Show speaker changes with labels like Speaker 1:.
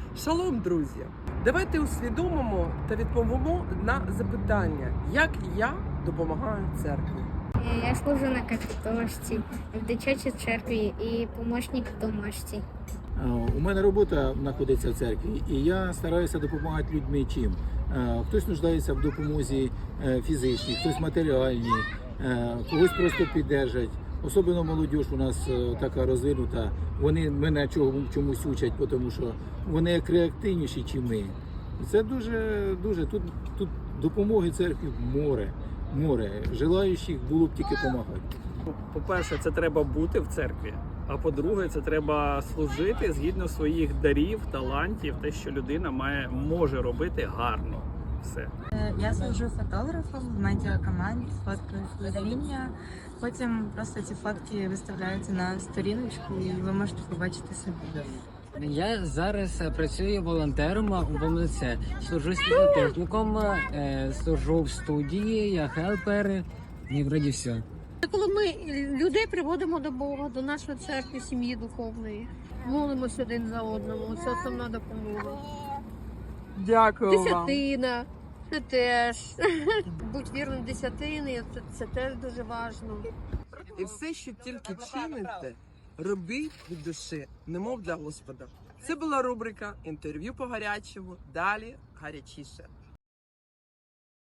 Speaker 1: Шалом, друзі! Давайте усвідомимо та відповімо на запитання, як я допомагаю церкві.
Speaker 2: Я служу на капітошці, в дитячій церкві і помічник в домашці.
Speaker 3: У мене робота знаходиться в церкві, і я стараюся допомагати людьми чим. Хтось нуждається в допомозі фізичній, хтось матеріальній, когось просто піддержать. Особливо молодь у нас така розвинута, вони мене чомусь учать, тому що вони як реактивніші, ніж ми. Це дуже, тут допомоги церкві море. Желаючих було б тільки допомагати.
Speaker 4: По-перше, це треба бути в церкві, а по-друге, це треба служити згідно своїх дарів, талантів, те, що людина може робити гарно. Все.
Speaker 5: Я служу фотографом в медіакоманді, фоткаю служіння. Потім просто ці фотки виставляються на сторіночку і ви можете побачити собі.
Speaker 6: Я зараз працюю волонтером у ВМЦ, служу світлотехніком, служу в студії, я хелпер, і вроді все.
Speaker 7: Коли ми людей приводимо до Бога, до нашої церкви, сім'ї духовної, молимося один за одному, це основна допомога.
Speaker 1: Дякую вам.
Speaker 7: Десятина, це теж. Будь вірним десятини, це теж дуже важливо.
Speaker 1: І все, що тільки чините, робіть від душі, немов для Господа. Це була рубрика «Інтерв'ю по гарячому», далі гарячіше.